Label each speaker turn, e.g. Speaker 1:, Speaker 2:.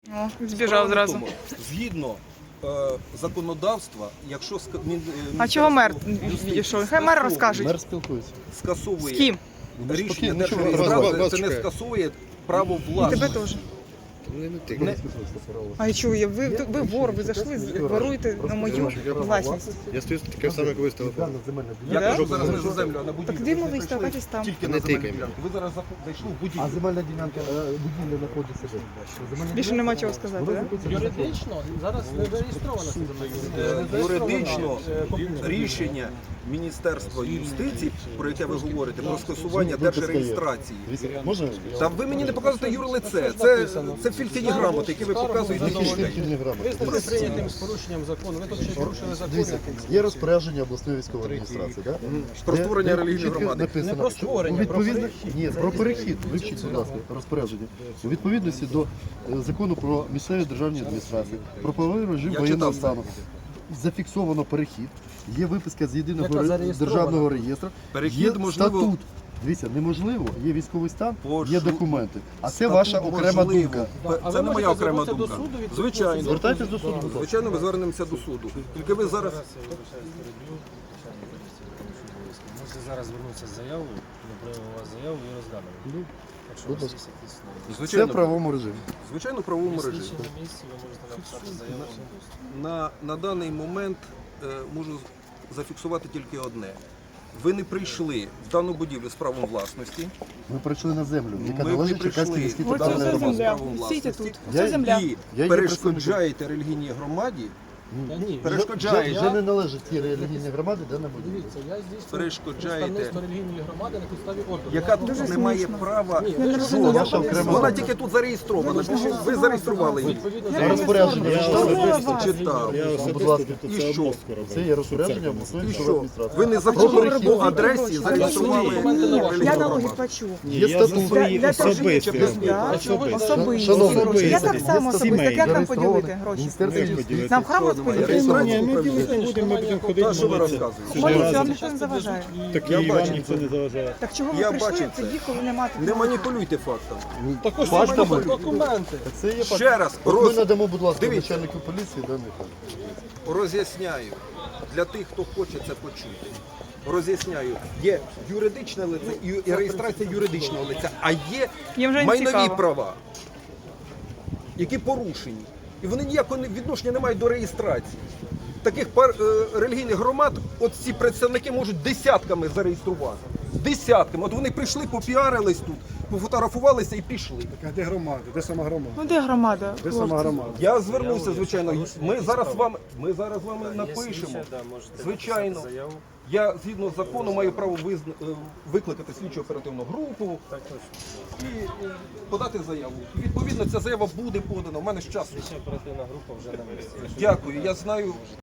Speaker 1: О, збіжав зразу.
Speaker 2: Тому, згідно законодавства, якщо
Speaker 1: А чого мер відійшов? Хай мер розкаже.
Speaker 3: Мер спілкується.
Speaker 1: З
Speaker 2: скасовує
Speaker 1: ким?
Speaker 2: рішення
Speaker 3: Ну,
Speaker 2: державної
Speaker 3: вас
Speaker 2: адміністрації, це не
Speaker 3: чекає.
Speaker 2: скасовує право
Speaker 1: І тебе
Speaker 2: власності.
Speaker 1: теж.
Speaker 2: Не-
Speaker 1: А я чую, ви вор, ви зайшли, воруєте на мою власність.
Speaker 4: Я стою таке саме, як ви з телефону.
Speaker 2: Я
Speaker 1: Да?
Speaker 2: кажу зараз не за землю, а на будівлю.
Speaker 1: Так дивно, ви
Speaker 2: прийшли
Speaker 1: стакатесь там.
Speaker 2: Тільки
Speaker 4: Не
Speaker 2: на земельну
Speaker 4: тикай
Speaker 2: ділянку. Ви зараз зайшли в будівлю.
Speaker 3: А земельна ділянка будівля знаходиться де?
Speaker 1: Більше нема чого сказати, так?
Speaker 5: Юридично зараз не зареєстровано це земля.
Speaker 2: Юридично рішення Міністерства юстиції, про яке ви говорите, про скасування держреєстрації.
Speaker 3: Можна?
Speaker 2: Та ви мені не показуєте юрлице. Це фільтині грамоти, які ви показуєте
Speaker 3: Які
Speaker 2: на
Speaker 3: ж
Speaker 2: людей.
Speaker 3: фільтрні грамоти?
Speaker 5: Визнати прийнятим з порушенням закону. Ви тут ще порушили закон.
Speaker 3: Дивіться, є розпорядження обласної військової адміністрації, так?
Speaker 2: Про створення релігійної громади.
Speaker 3: Написано,
Speaker 5: Не про
Speaker 3: що
Speaker 5: створення,
Speaker 3: у відповідно...
Speaker 5: про перехід.
Speaker 3: Ні, про перехід. Вивчіть, будь ласка, розпорядження. У відповідності до закону про місцеві державні адміністрації, про правовий режим
Speaker 2: Я
Speaker 3: воєнного
Speaker 2: читав.
Speaker 3: стану. Зафіксовано перехід, є виписка з єдиного
Speaker 5: Яка зареєстрована.
Speaker 3: державного реєстру,
Speaker 2: Перехід
Speaker 3: є
Speaker 2: можливо-
Speaker 3: статут. Дивіться, неможливо, є військовий стан, є
Speaker 2: Пошу-
Speaker 3: документи. А це
Speaker 2: Статут
Speaker 3: ваша окрема
Speaker 2: можливо.
Speaker 3: думка.
Speaker 5: А
Speaker 2: Це
Speaker 5: ви
Speaker 2: не моя
Speaker 5: можете
Speaker 2: окрема
Speaker 5: звернутися
Speaker 2: думка.
Speaker 5: до суду,
Speaker 2: Звичайно.
Speaker 3: Звертайтесь до суду, будь ласка.
Speaker 2: Звичайно, ми звернемося до суду. Тільки ви зараз
Speaker 5: Можете зараз звернутися з заявою, ми приймемо у вас заяву і розглянемо. Якщо у вас є якісь
Speaker 3: Це в
Speaker 2: звичайно,
Speaker 3: правовому режимі.
Speaker 2: звичайно, в правовому режимі.
Speaker 5: слідчі на місці, ви можете написати заяву.
Speaker 2: На даний момент можу зафіксувати тільки одне. Ви не прийшли в дану будівлю з правом власності.
Speaker 3: Ми прийшли на землю, яка
Speaker 2: Ми
Speaker 3: належить
Speaker 2: прийшли.
Speaker 3: Черкаській міській
Speaker 1: Ось
Speaker 3: територіальній
Speaker 1: це
Speaker 3: громаді.
Speaker 1: земля.
Speaker 2: Правом
Speaker 1: Сійте
Speaker 2: власності.
Speaker 1: тут.
Speaker 3: Я-
Speaker 1: Це земля.
Speaker 2: І
Speaker 3: Я є
Speaker 2: перешкоджаєте релігійній громаді.
Speaker 5: Та ні,
Speaker 2: Перешкоджаєте.
Speaker 3: Вже не належить ті релігійні громади, де на будівлі.
Speaker 5: дивіться, я здійснюю
Speaker 2: Перешкоджаєте.
Speaker 5: представництво релігійної громади на підставі ордеру.
Speaker 2: Яка
Speaker 1: Дуже
Speaker 2: тут не має
Speaker 1: смішно.
Speaker 2: права
Speaker 5: Ні,
Speaker 1: не
Speaker 2: жодного.
Speaker 1: розумію.
Speaker 3: Ваша окрема
Speaker 2: Вона
Speaker 3: думка.
Speaker 2: тільки тут зареєстрована. Ви зареєстрували її.
Speaker 5: Відповідно,
Speaker 1: Я
Speaker 3: Розпорядження
Speaker 1: не
Speaker 3: читали?
Speaker 1: соромлюсь.
Speaker 2: Читав.
Speaker 4: Я
Speaker 3: Будь ласка,
Speaker 4: особисто
Speaker 2: і
Speaker 4: це
Speaker 2: що?
Speaker 4: обов'язково роблю.
Speaker 3: Це є розпорядження обласної
Speaker 2: І
Speaker 3: військової
Speaker 2: що?
Speaker 3: адміністрації.
Speaker 2: Ви незаконно
Speaker 1: перехід.
Speaker 2: по адресі
Speaker 1: Я
Speaker 2: зареєстрували
Speaker 1: я
Speaker 2: релігійну
Speaker 1: на
Speaker 2: громаду.
Speaker 1: логік плачу.
Speaker 4: Ні,
Speaker 3: Є
Speaker 4: я за
Speaker 3: статут.
Speaker 4: свої
Speaker 1: Для того,
Speaker 4: особисті
Speaker 1: щоб-
Speaker 4: гроші.
Speaker 1: Да,
Speaker 5: Особисті.
Speaker 1: особисті
Speaker 3: Шановні,
Speaker 1: гроші. Я так
Speaker 4: особисті.
Speaker 1: само особисто. Як нам
Speaker 4: Сімейні.
Speaker 1: поділити гроші?
Speaker 3: Міністерство
Speaker 4: Як
Speaker 3: юстиції.
Speaker 4: поділити?
Speaker 1: Нам в храм
Speaker 2: Що немає?
Speaker 1: розподілити?
Speaker 2: Реєстрацію
Speaker 4: Ні, ми
Speaker 2: управління.
Speaker 4: ділити не будемо, ми будемо ходити
Speaker 2: Та що ви
Speaker 4: молитися.
Speaker 2: розказуєте?
Speaker 1: Моліться, вам
Speaker 4: Разом.
Speaker 1: ніхто не заважає.
Speaker 4: Так
Speaker 2: Я
Speaker 4: і вам
Speaker 2: бачу
Speaker 4: ніхто
Speaker 2: це.
Speaker 4: не заважає.
Speaker 1: Так чого ви
Speaker 2: Я
Speaker 1: прийшли
Speaker 2: бачив це.
Speaker 1: тоді, коли немає
Speaker 2: Не маніпулюйте фактами.
Speaker 5: також
Speaker 3: Фактами.
Speaker 5: документи.
Speaker 3: Це є факт.
Speaker 2: Ще раз,
Speaker 3: От ми надамо, будь ласка,
Speaker 2: Дивіться.
Speaker 3: начальнику поліції даний факт.
Speaker 2: роз'ясняю для тих, хто хоче це почути. Роз'ясняю, є юридичне лице і реєстрація юридичного лиця, а є
Speaker 1: Їм вже не
Speaker 2: майнові
Speaker 1: цікаво.
Speaker 2: права, які порушені. І вони ніякого відношення не мають до реєстрації. Таких релігійних громад, от ці представники можуть десятками зареєструвати. Десятками. От вони прийшли, попіарились тут, пофотографувалися і пішли.
Speaker 4: А де громада? Де сама громада?
Speaker 1: Ну де громада?
Speaker 4: Де сама громада?
Speaker 2: Я звернувся, звичайно. Ми зараз з вами напишемо. Звичайно. Я згідно закону маю право викликати слідчу оперативну групу і подати заяву. І, відповідно, ця заява буде подана. У мене ж часу.
Speaker 5: Оперативна група вже на місці.
Speaker 2: Дякую. Я знаю.